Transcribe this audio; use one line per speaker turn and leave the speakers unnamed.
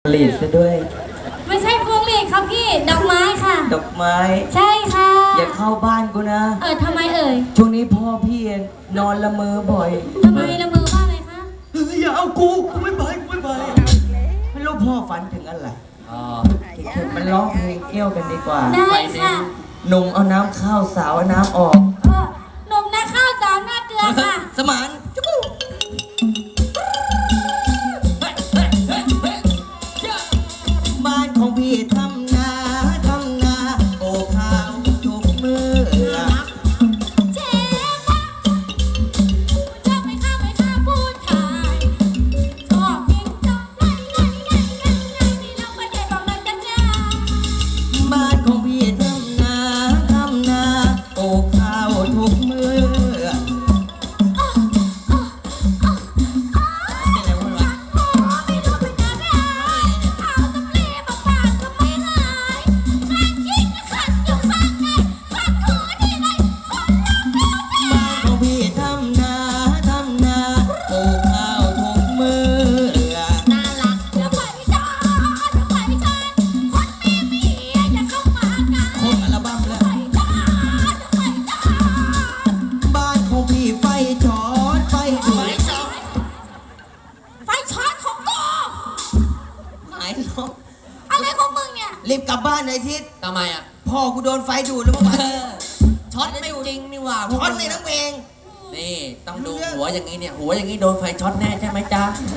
หลีดซะด้วย
ไม่ใช่พวงหลีดครับพี่ดอกไม้ค่ะ
ดอกไม้
ใช่ค่ะ
อย่าเข้าบ้านกูนะ
ทำไมเอ่ย
ช่วงนี้พ่อพี่นอนละเมอบ่อย
ทำไมละเมอว่าอะไรคะ
อย่าเอากูไม่ไปไม่รู้พ่อฝันถึงอะไรมันร้องเพลงเกี่ยวกันดีกว่า
ได้ค่ะ
หนุ่มเอาน้ำข้าวสาวเอาน้ำออก
หนุ่มนาข้าวสาวหน้าเกลือค่ะ
สมานจุ๊บบ้านของพี่ทำนาโอ้ข้าวทุกมือ
เจ๊ชอบไม่ฆ่าผู้ชายชอบกินจอกไล่นี่เราไม่ได้บอกเลยกันจ้า
บ้านของพี่ทำนาโอ้ข้าวทุกมือ
อะไรของมึงเนี่ย
รีบกลับบ้านเลยทิศ
ทำไมอ่ะ
พ่อกูโดนไฟดูดแล้วเมื่อวาน
ช็อตไม่จริงนี่หว่า
ช็อตเลยน้ำเอง
นี่ต้องดูหัวอย่างนี้เนี่ยหัวอย่างนี้โดนไฟช็อตแน่ใช่ไหมจ๊ะ